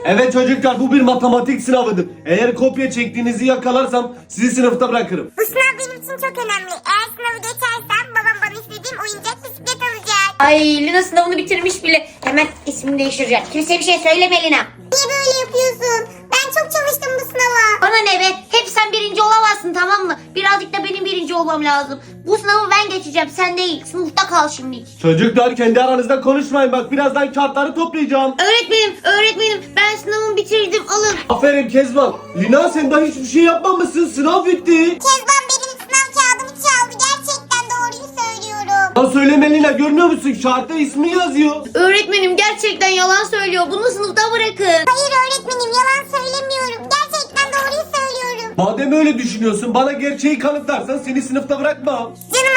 Evet çocuklar, bu bir matematik sınavıdır. Eğer kopya çektiğinizi yakalarsam sizi sınıfta bırakırım. Bu sınav benim için çok önemli. Eğer sınavı geçersem babam bana istediğim oyuncak bisiklet alacak. Ay Lina sınavını bitirmiş bile. Hemen ismini değiştireceğim. Kimseye bir şey söyleme Lina. Niye böyle yapıyorsun? Ben çok çalıştım bu sınava. Bana ne be? Hep sen birinci olamazsın, tamam mı? Birazcık da benim birinci olmam lazım. Bu sınavı ben geçeceğim, sen değil. Sınıfta kal şimdi. Çocuklar, kendi aranızda konuşmayın, bak birazdan kağıtları toplayacağım. Öğretmenim ben sınavımı bitirdim, alın. Aferin Kezban. Lina, sen daha hiçbir şey yapmamışsın, sınav bitti. Kezban benim sınav kağıdımı çaldı. Gerçekten doğruyu söylüyorum. Ya söyleme Lina, görmüyor musun? Kağıtta ismi yazıyor. Öğretmenim gerçekten yalan söylüyor. Bunu sınıfta bırakın. Hayır öğretmenim, yalan söylemiyorum. Gerçekten doğruyu söylüyorum. Madem öyle düşünüyorsun, bana gerçeği kanıtlarsan seni sınıfta bırakmam. Canım